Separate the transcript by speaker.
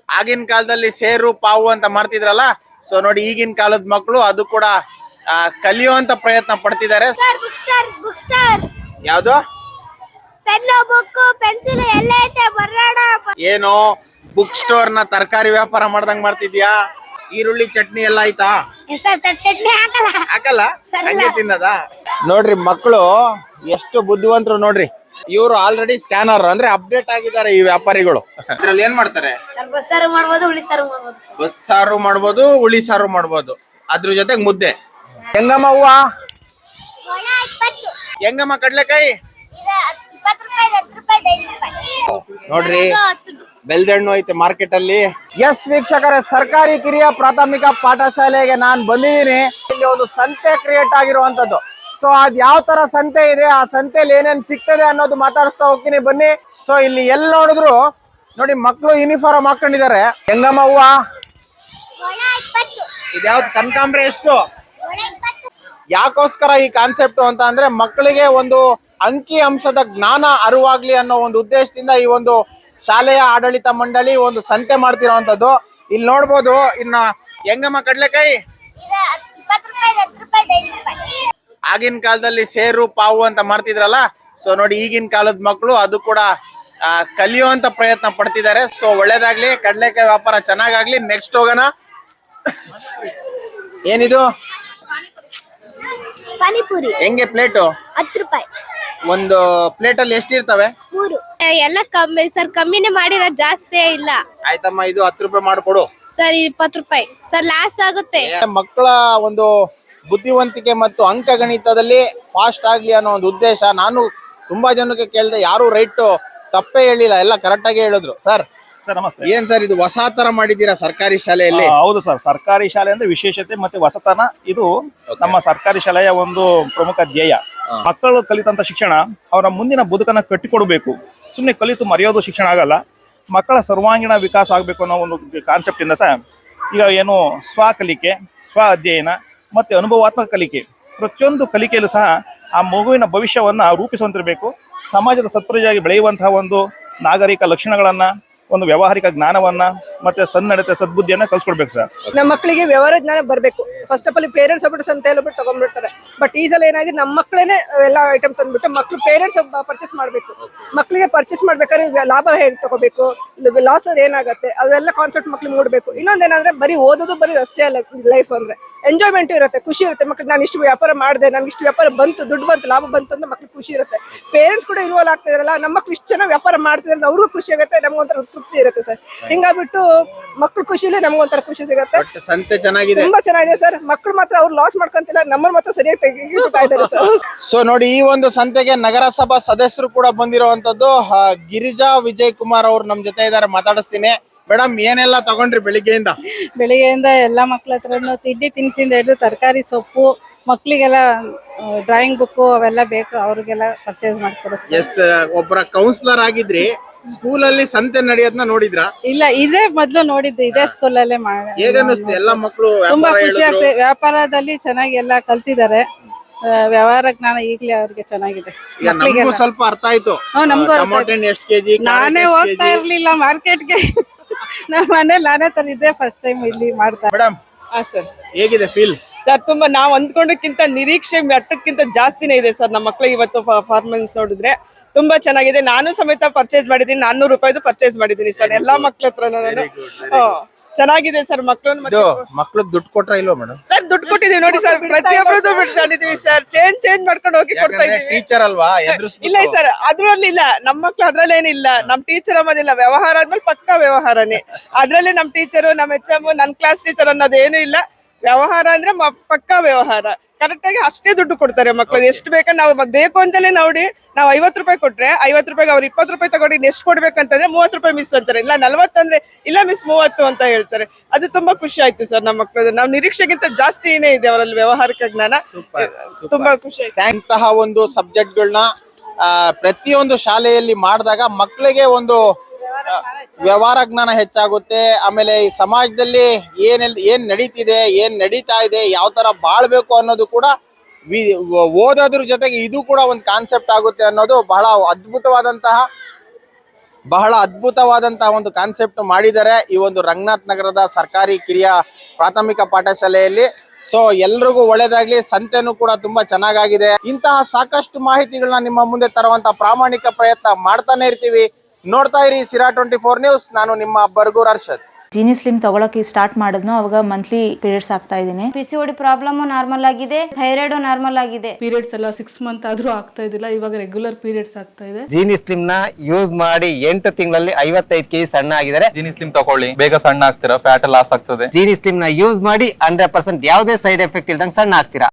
Speaker 1: ಆಗಿನ ಕಾಲದಲ್ಲಿ ಸೇರು ಪಾವು ಅಂತ ಮಾಡ್ತಿದ್ರಲ್ಲ, ಸೊ ನೋಡಿ ಈಗಿನ ಕಾಲದ ಮಕ್ಕಳು ಅದು ಕೂಡ ಕಲಿಯುವಂತ ಪ್ರಯತ್ನ ಪಡ್ತಿದ್ದಾರೆ. ಯಾವ್ದು
Speaker 2: ಪೆನ್ನು ಬುಕ್ ಪೆನ್ಸಿಲ್ ಎಲ್ಲ ಐತೆ ಬರೋಣ.
Speaker 1: ಏನೋ ಬುಕ್ ಸ್ಟೋರ್ ನ ತರಕಾರಿ ವ್ಯಾಪಾರ ಮಾಡ್ದಂಗ್ ಮಾಡ್ತಿದ್ಯಾ? ಈರುಳ್ಳಿ ಚಟ್ನಿ ಎಲ್ಲ ಆಯ್ತಾ?
Speaker 2: ಚಟ್ನಿ
Speaker 1: ಹಾಕಲ್ಲ, ಹಂಗೆ ತಿನ್ನದ? ನೋಡ್ರಿ ಮಕ್ಕಳು ಎಷ್ಟು ಬುದ್ಧಿವಂತರು ನೋಡ್ರಿ. ಇವರು ಆಲ್ರೆಡಿ ಸ್ಕ್ಯಾನರ್ ಅಂದ್ರೆ ಅಪ್ಡೇಟ್ ಆಗಿದ್ದಾರೆ ಈ ವ್ಯಾಪಾರಿಗಳು. ಅದ್ರಲ್ಲಿ ಏನ್ ಮಾಡ್ತಾರೆ?
Speaker 2: ಬಸ್ಸಾರು ಮಾಡ್ಬೋದು, ಹುಳಿ ಸಾರು ಮಾಡ್ಬೋದು.
Speaker 1: ಬಸ್ಸಾರು ಮಾಡ್ಬೋದು, ಹುಳಿ ಸಾರು ಮಾಡ್ಬೋದು, ಅದ್ರ ಜೊತೆಗೆ ಮುದ್ದೆ. ಹೆಂಗಮ್ಮ ಹೂವ? ಹೆಂಗಮ್ಮ ಕಡ್ಲೆಕಾಯಿ? ನೋಡ್ರಿ ಬೆಲ್ದಣ್ಣು ಐತೆ ಮಾರ್ಕೆಟ್ ಅಲ್ಲಿ. ಎಸ್ ವೀಕ್ಷಕರೇ, ಸರ್ಕಾರಿ ಕಿರಿಯ ಪ್ರಾಥಮಿಕ ಪಾಠಶಾಲೆಗೆ ನಾನ್ ಬಂದಿದ್ದೀನಿ. ಇಲ್ಲಿ ಒಂದು ಸಂತೆ ಕ್ರಿಯೇಟ್ ಆಗಿರುವಂತದ್ದು. ಸೊ ಅದ್ ಯಾವ ತರ ಸಂತೆ ಇದೆ, ಆ ಸಂತೆಯಲ್ಲಿ ಏನೇನ್ ಸಿಗ್ತದೆ ಅನ್ನೋದು ಮಾತಾಡಿಸ್ತಾ ಹೋಗ್ತೀನಿ ಬನ್ನಿ. ಸೊ ಇಲ್ಲಿ ಎಲ್ಲಿ ನೋಡಿದ್ರು ನೋಡಿ ಮಕ್ಕಳು ಯೂನಿಫಾರ್ಮ್ ಹಾಕೊಂಡಿದ್ದಾರೆ. ಹೆಂಗಮ್ಮ ಹೂವ? ಇದ್ಯಾವ್ದು ಕನಕಾಂಬ್ರೆ ಎಷ್ಟು? ಯಾಕೋಸ್ಕರ ಈ ಕಾನ್ಸೆಪ್ಟ್ ಅಂತ ಅಂದ್ರೆ ಮಕ್ಕಳಿಗೆ ಒಂದು ಅಂಕಿ ಅಂಶದ ಜ್ಞಾನ ಅರಿವಾಗ್ಲಿ ಅನ್ನೋ ಒಂದು ಉದ್ದೇಶದಿಂದ ಈ ಒಂದು ಶಾಲೆಯ ಆಡಳಿತ ಮಂಡಳಿ ಒಂದು ಸಂತೆ ಮಾಡ್ತಿರೋಂಥದ್ದು. ಇಲ್ಲಿ ನೋಡ್ಬೋದು. ಇನ್ನ ಹೆಂಗಮ್ಮ ಕಡ್ಲೆಕಾಯಿ? ಆಗಿನ ಕಾಲದಲ್ಲಿ ಸೇರು ಪಾವು ಅಂತ ಮಾಡ್ತಿದ್ರಲ್ಲ, ಸೊ ನೋಡಿ ಈಗಿನ ಕಾಲದ ಮಕ್ಕಳು ಅದು ಕೂಡ ಕಲಿಯುವಂತ ಪ್ರಯತ್ನ ಪಡ್ತಿದ್ದಾರೆ. ಸೊ ಒಳ್ಳೇದಾಗ್ಲಿ, ಕಡ್ಲೆಕಾಯಿ ವ್ಯಾಪಾರ ಚೆನ್ನಾಗಾಗ್ಲಿ. ನೆಕ್ಸ್ಟ್ ಹೋಗೋಣ. ಏನಿದು?
Speaker 2: ಪಾನಿಪುರಿ.
Speaker 1: ಹೆಂಗೆ ಪ್ಲೇಟು?
Speaker 2: 10 ರೂಪಾಯಿ.
Speaker 1: ಒಂದು ಪ್ಲೇಟ್ ಅಲ್ಲಿ ಎಷ್ಟಿರ್ತವೆ?
Speaker 2: 3.
Speaker 3: ಎಲ್ಲ ಕಮ್ಮಿ ಸರ್, ಕಮ್ಮಿನೇ ಮಾಡಿರೋದು, ಜಾಸ್ತಿ ಇಲ್ಲ.
Speaker 1: ಆಯ್ತಮ್ಮ, ಇದು 10 ರೂಪಾಯಿ ಮಾಡ್ಕೊಡು
Speaker 3: ಸರ್. 20 ರೂಪಾಯಿ ಸರ್, ಲಾಸ್ ಆಗುತ್ತೆ.
Speaker 1: ಮಕ್ಕಳ ಒಂದು ಬುದ್ಧಿವಂತಿಕೆ ಮತ್ತು ಅಂಕಗಣಿತದಲ್ಲಿ ಫಾಸ್ಟ್ ಆಗ್ಲಿ ಅನ್ನೋ ಒಂದು ಉದ್ದೇಶ. ನಾನು ತುಂಬಾ ಜನಕ್ಕೆ ಕೇಳಿದೆ, ಯಾರು ರೈಟ್ ತಪ್ಪೇ ಹೇಳಿಲ್ಲ, ಎಲ್ಲ ಕರೆಕ್ಟ್ ಆಗಿ ಹೇಳಿದ್ರು. ಸರ್
Speaker 4: ನಮಸ್ತೆ.
Speaker 1: ಏನ್ ಸರ್ ಇದು ಹೊಸ ತರ ಮಾಡಿದ್ದೀರಾ ಸರ್ಕಾರಿ ಶಾಲೆಯಲ್ಲಿ?
Speaker 4: ಹೌದು ಸರ್, ಸರ್ಕಾರಿ ಶಾಲೆ ಅಂದ್ರೆ ವಿಶೇಷತೆ ಮತ್ತೆ ಹೊಸತನ ಇದು ನಮ್ಮ ಸರ್ಕಾರಿ ಶಾಲೆಯ ಒಂದು ಪ್ರಮುಖ ಧ್ಯೇಯ. ಮಕ್ಕಳು ಕಲಿತಂತ ಶಿಕ್ಷಣ ಅವರ ಮುಂದಿನ ಬದುಕನ್ನ ಕಟ್ಟಿಕೊಡ್ಬೇಕು. ಸುಮ್ಮನೆ ಕಲಿತು ಮರೆಯೋದು ಶಿಕ್ಷಣ ಆಗಲ್ಲ. ಮಕ್ಕಳ ಸರ್ವಾಂಗೀಣ ವಿಕಾಸ ಆಗಬೇಕು ಅನ್ನೋ ಒಂದು ಕಾನ್ಸೆಪ್ಟ್ ಇಂದ ಸಹ ಈಗ ಏನು ಸ್ವಕಲಿಕೆ, ಸ್ವ ಅಧ್ಯಯನ ಮತ್ತೆ ಅನುಭವಾತ್ಮಕ ಕಲಿಕೆ, ಪ್ರತಿಯೊಂದು ಕಲಿಕೆಯಲ್ಲೂ ಸಹ ಆ ಮಗುವಿನ ಭವಿಷ್ಯವನ್ನ ರೂಪಿಸುವಂತಿರಬೇಕು. ಸಮಾಜದ ಸತ್ಪ್ರಜೆಯಾಗಿ ಬೆಳೆಯುವಂತಹ ಒಂದು ನಾಗರಿಕ ಲಕ್ಷಣಗಳನ್ನ, ಒಂದು ವ್ಯಾವಹಾರಿಕ ಜ್ಞಾನವನ್ನ ಮತ್ತೆ ಸನ್ನಡತೆ ಸದ್ಬುದ್ಧಿಯನ್ನ ಕಲ್ಸ್ಕೊಡ್ಬೇಕು ಸರ್.
Speaker 5: ನಮ್ಮ ಮಕ್ಕಳಿಗೆ ವ್ಯವಹಾರ ಜ್ಞಾನ ಬರಬೇಕು. ಫಸ್ಟ್ ಆಫ್ ಆಲ್ ಪೇರೆಂಟ್ಸ್ ಒಬ್ಬರು ಸಂತೆ ಎಲ್ಲ ಬಿಟ್ಟು ತಗೊಂಡ್ಬಿಡ್ತಾರೆ. ಬಟ್ ಈ ಸಲ ಏನಾಗಿದೆ, ನಮ್ಮ ಮಕ್ಕಳೇನೆ ಎಲ್ಲ ಐಟಮ್ ತಂದ್ಬಿಟ್ಟು ಮಕ್ಕಳು ಪೇರೆಂಟ್ಸ್ ಪರ್ಚೇಸ್ ಮಾಡಬೇಕು. ಮಕ್ಕಳಿಗೆ ಪರ್ಚೇಸ್ ಮಾಡ್ಬೇಕಾದ್ರೆ ಲಾಭ ಹೇಗೆ ತಗೋಬೇಕು, ಲಾಸ್ ಏನಾಗುತ್ತೆ, ಅವೆಲ್ಲ ಕಾನ್ಸೆಪ್ಟ್ ಮಕ್ಳಿಗೆ ಮೂಡಬೇಕು. ಇನ್ನೊಂದೇನಂದ್ರೆ ಬರೀ ಓದೋದು ಬರೀ ಅಷ್ಟೇ ಅಲ್ಲ, ಲೈಫ್ ಅಂದ್ರೆ ಎಂಜಾಯ್ಮೆಂಟ್ ಇರುತ್ತೆ, ಖುಷಿ ಇರುತ್ತೆ. ಮಕ್ಳಿಗೆ ನಾನು ಇಷ್ಟು ವ್ಯಾಪಾರ ಮಾಡಿದೆ, ನನ್ಗೆ ಇಷ್ಟು ವ್ಯಾಪಾರ ಬಂತು, ದುಡ್ಡು ಬಂತು, ಲಾಭ ಬಂತು ಅಂತ ಮಕ್ಳಿಗೆ ಖುಷಿ ಇರುತ್ತೆ. ಪೇರೆಂಟ್ಸ್ ಕೂಡ ಇನ್ವಾಲ್ವ್ ಆಗ್ತಿದಾರಲ್ಲ, ನಮ್ಮ ಮಕ್ಳು ಇಷ್ಟು ಚೆನ್ನಾಗಿ ವ್ಯಾಪಾರ ಮಾಡ್ತಿದ್ರೆ ಅವ್ರಿಗೂ ಖುಷಿ ಆಗುತ್ತೆ, ನಮ್ಗೊಂಥರ ತೃಪ್ತಿ ಇರುತ್ತೆ ಸರ್. ಹಿಂಗಾಗ್ಬಿಟ್ಟು ಮಕ್ಳು ಖುಷಿಲೇ ನಮ್ಗೊಂಥರ ಖುಷಿ ಸಿಗುತ್ತೆ.
Speaker 1: ಸಂತೆ ಚೆನ್ನಾಗಿದೆ,
Speaker 5: ತುಂಬಾ ಚೆನ್ನಾಗಿದೆ ಸರ್. ಮಕ್ಕಳು ಮಾತ್ರ ಅವ್ರು ಲಾಸ್ ಮಾಡ್ಕೊಂತಿಲ್ಲ, ನಮ್ಮನ್ನ ಮಾತ್ರ ಸರಿಯಾಗಿ ತೆಗಿತಾ ಇದ್ದಾರೆ ಸರ್.
Speaker 1: ಸೊ ನೋಡಿ, ಈ ಒಂದು ಸಂತೆಗೆ ನಗರಸಭಾ ಸದಸ್ಯರು ಕೂಡ ಬಂದಿರುವಂತದ್ದು. ಗಿರಿಜಾ ವಿಜಯ್ ಕುಮಾರ್ ಅವರು ನಮ್ ಜೊತೆ ಇದಾರೆ, ಮಾತಾಡಿಸ್ತೀನಿ. ಮೇಡಮ್, ಏನೆಲ್ಲ ತಗೊಂಡ್ರಿ ಬೆಳಿಗ್ಗೆಯಿಂದ?
Speaker 6: ಬೆಳಿಗ್ಗೆಯಿಂದ ಎಲ್ಲ ಮಕ್ಳ ಹತ್ರನು ತಿಂಡಿ ತಿನಿಸಿಂದ ಹಿಡಿದು ತರಕಾರಿ, ಸೊಪ್ಪು, ಮಕ್ಳಿಗೆಲ್ಲ ಡ್ರಾಯಿಂಗ್ ಬುಕ್ ಅವೆಲ್ಲ ಬೇಕು, ಅವ್ರಿಗೆಲ್ಲ ಪರ್ಚೇಸ್ ಮಾಡ್ಕೊಡಿಸ್ತೀವಿ.
Speaker 1: ಎಸ್, ಒಬ್ಬರ ಕೌನ್ಸಿಲರ್ ಆಗಿದ್ರಿ. ಸ್ಕೂಲಲ್ಲಿ ಸಂತೆ ನಡೆಯೋದನ್ನ ನೋಡಿದ್ರಾ?
Speaker 6: ಇಲ್ಲ, ಇದೇ ಮೊದ್ಲು ನೋಡಿದ್ದು, ಇದೇ ಸ್ಕೂಲಲ್ಲೇ
Speaker 1: ಹೇಗನ್ನಿಸ್ತು? ಎಲ್ಲ ಮಕ್ಕಳು
Speaker 6: ತುಂಬಾ ಖುಷಿ ಆಗ್ತದೆ. ವ್ಯಾಪಾರದಲ್ಲಿ ಚೆನ್ನಾಗಿ ಎಲ್ಲ ಕಲ್ತಿದ್ದಾರೆ. ವ್ಯವಹಾರ ಜ್ಞಾನ ಈಗ್ಲೇ ಅವ್ರಿಗೆ ಚೆನ್ನಾಗಿದೆ.
Speaker 1: ಸ್ವಲ್ಪ ಅರ್ಥ ಆಯ್ತು. ಎಷ್ಟು ಕೆಜಿ?
Speaker 6: ನಾನೇ ಹೋಗ್ತಾ ಇರ್ಲಿಲ್ಲ ಮಾರ್ಕೆಟ್ಗೆ, ನಮ್ಮ ಮನೇಲಿ ನಾನೇ ತಂದಿದ್ದೆ, ಫಸ್ಟ್ ಟೈಮ್ ಇಲ್ಲಿ ಮಾಡ್ತಾರೆ.
Speaker 1: ಮೇಡಮ್
Speaker 7: ಸರ್,
Speaker 1: ಹೇಗಿದೆ ಫೀಲ್?
Speaker 7: ಸರ್ ತುಂಬಾ ನಾವು ಅಂದ್ಕೊಂಡಕ್ಕಿಂತ ನಿರೀಕ್ಷೆ ಮಟ್ಟಕ್ಕಿಂತ ಜಾಸ್ತಿನೇ ಇದೆ ಸರ್. ನಮ್ಮ ಮಕ್ಕಳು ಇವತ್ತು ಪರ್ಫಾರ್ಮೆನ್ಸ್ ನೋಡಿದ್ರೆ ತುಂಬಾ ಚೆನ್ನಾಗಿದೆ. ನಾನು ಸಮೇತ ಪರ್ಚೇಸ್ ಮಾಡಿದ್ದೀನಿ, 400 ರೂಪಾಯಿದು ಪರ್ಚೇಸ್ ಮಾಡಿದ್ದೀನಿ ಸರ್, ಎಲ್ಲಾ ಮಕ್ಳ ಹತ್ರ ನಾನು. ಚೆನ್ನಾಗಿದೆ ಸರ್.
Speaker 1: ಮಕ್ಳು ದುಡ್ಡು ಕೊಟ್ರ ಇಲ್ವಾ ಮೇಡಮ್?
Speaker 7: ಸರ್ ದುಡ್ಡು ಕೊಟ್ಟಿದೀವಿ ನೋಡಿ ಸರ್, ಪ್ರತಿಯೊಬ್ಬರದ್ದು ಬಿಡ್ಕೊಂಡಿದೀವಿ ಸರ್. ಚೇಂಜ್ ಮಾಡ್ಕೊಂಡು ಹೋಗಿ ಕೊಡ್ತಾ ಇದೀವಿ.
Speaker 1: ಟೀಚರ್ ಅಲ್ವಾ?
Speaker 7: ಇಲ್ಲ ಸರ್, ಅದ್ರಲ್ಲಿ ಇಲ್ಲ, ನಮ್ಮ ಮಕ್ಳು ಅದ್ರಲ್ಲೇನಿಲ್ಲ. ನಮ್ ಟೀಚರ್ ಅನ್ನೋದಿಲ್ಲ, ವ್ಯವಹಾರ ಆದ್ಮೇಲೆ ಪಕ್ಕಾ ವ್ಯವಹಾರನೇ. ಅದ್ರಲ್ಲಿ ನಮ್ ಟೀಚರು, ನಮ್ HM, ನನ್ ಕ್ಲಾಸ್ ಟೀಚರ್ ಅನ್ನೋದೇನು ಇಲ್ಲ. ವ್ಯವಹಾರ ಅಂದ್ರೆ ಪಕ್ಕಾ ವ್ಯವಹಾರ. ಕರೆಕ್ಟ್ ಆಗಿ ಅಷ್ಟೇ ದುಡ್ಡು ಕೊಡ್ತಾರೆ ಮಕ್ಕಳು. ಎಷ್ಟು ಬೇಕಾ ನಾವು ಬೇಕು ಅಂತಲೇ ನೋಡಿ, ನಾವು 50 ರೂಪಾಯಿ ಕೊಟ್ರೆ 50 ರೂಪಾಯಿಗೆ ಅವ್ರು 20 ರೂಪಾಯಿ ತಗೊಂಡು ಎಷ್ಟು ಕೊಡ್ಬೇಕಂತಂದ್ರೆ 30 ರೂಪಾಯಿ ಮಿಸ್ ಅಂತಾರೆ. ಇಲ್ಲ 40 ಅಂದ್ರೆ ಇಲ್ಲ ಮಿಸ್ 30 ಅಂತ ಹೇಳ್ತಾರೆ. ಅದು ತುಂಬಾ ಖುಷಿ ಆಯ್ತು ಸರ್ ನಮ್ಮ ಮಕ್ಕಳು. ನಾವು ನಿರೀಕ್ಷೆಗಿಂತ ಜಾಸ್ತಿನೇ ಇದೆ ಅವರಲ್ಲಿ ವ್ಯವಹಾರಿಕ ಜ್ಞಾನ. ತುಂಬಾ ಖುಷಿ ಆಯ್ತು.
Speaker 1: ಇಂತಹ ಒಂದು ಸಬ್ಜೆಕ್ಟ್ಗಳನ್ನ ಪ್ರತಿಯೊಂದು ಶಾಲೆಯಲ್ಲಿ ಮಾಡಿದಾಗ ಮಕ್ಕಳಿಗೆ ಒಂದು ವ್ಯವಹಾರ ಜ್ಞಾನ ಹೆಚ್ಚಾಗುತ್ತೆ. ಆಮೇಲೆ ಈ ಸಮಾಜದಲ್ಲಿ ಏನ್ ನಡೀತಿದೆ, ಏನ್ ನಡೀತಾ ಇದೆ, ಯಾವ ತರ ಬಾಳ್ಬೇಕು ಅನ್ನೋದು ಕೂಡ ಓದೋದ್ರ ಜೊತೆಗೆ ಇದು ಕೂಡ ಒಂದು ಕಾನ್ಸೆಪ್ಟ್ ಆಗುತ್ತೆ ಅನ್ನೋದು ಬಹಳ ಅದ್ಭುತವಾದಂತಹ ಬಹಳ ಅದ್ಭುತವಾದಂತಹ ಒಂದು ಕಾನ್ಸೆಪ್ಟ್ ಮಾಡಿದ್ದಾರೆ ಈ ಒಂದು ರಂಗನಾಥ್ ನಗರದ ಸರ್ಕಾರಿ ಕಿರಿಯ ಪ್ರಾಥಮಿಕ ಪಾಠಶಾಲೆಯಲ್ಲಿ. ಸೊ ಎಲ್ರಿಗೂ ಒಳ್ಳೇದಾಗ್ಲಿ. ಸಂತೆನೂ ಕೂಡ ತುಂಬಾ ಚೆನ್ನಾಗಾಗಿದೆ. ಇಂತಹ ಸಾಕಷ್ಟು ಮಾಹಿತಿಗಳನ್ನ ನಿಮ್ಮ ಮುಂದೆ ತರುವಂತ ಪ್ರಾಮಾಣಿಕ ಪ್ರಯತ್ನ ಮಾಡ್ತಾನೆ ಇರ್ತೀವಿ. ನೋಡ್ತಾ ಇರಿ ಸಿರಾ 24 ನ್ಯೂಸ್. ನಾನು ನಿಮ್ಮ ಬರ್ಗೂರ್ ಅರ್ಷದ್.
Speaker 8: ಜೀನಿ ಸ್ಲಿಮ್ ತಗೊಳಕ್ಕೆ ಸ್ಟಾರ್ಟ್ ಮಾಡಿದ್ನು ಅವಾಗ ಮಂತ್ಲಿ ಪೀರಿಯಡ್ಸ್ ಆಗ್ತಾ ಇದ್ದೀನಿ.
Speaker 9: PCOD ಪ್ರಾಬ್ಲಮ್ ನಾರ್ಮಲ್ ಆಗಿದೆ, ಥೈರಾಯ್ಡ್ ನಾರ್ಮಲ್ ಆಗಿದೆ.
Speaker 6: ಪೀರಿಯಡ್ಸ್ ಎಲ್ಲ 6 ಮಂತ್ ಆದ್ರೂ ಆಗ್ತಾ ಇದ್ದಿಲ್ಲ, ಇವಾಗ ರೆಗ್ಯುಲರ್ ಪೀರಿಯಡ್ಸ್ ಆಗ್ತಾ ಇದೆ.
Speaker 10: ಜೀನಿ ಸ್ಲಿಮ್ ನ ಯೂಸ್ ಮಾಡಿ 8 ತಿಂಗಳಲ್ಲಿ 55 kg ಸಣ್ಣ ಆಗಿದ್ದಾರೆ.
Speaker 11: ಜೀನಿ ಸ್ಲಿಮ್ ತಗೊಳ್ಳಿ, ಬೇಗ ಸಣ್ಣ ಆಗ್ತೀರಾ, ಫ್ಯಾಟ್ ಲಾಸ್ ಆಗ್ತದೆ.
Speaker 10: ಜೀನಿ ಸ್ಲಿಮ್ ನ ಯೂಸ್ ಮಾಡಿ 100% ಯಾವುದೇ ಸೈಡ್ ಎಫೆಕ್ಟ್ ಇಲ್ದಂಗೆ ಸಣ್ಣ ಆಗ್ತೀರಾ.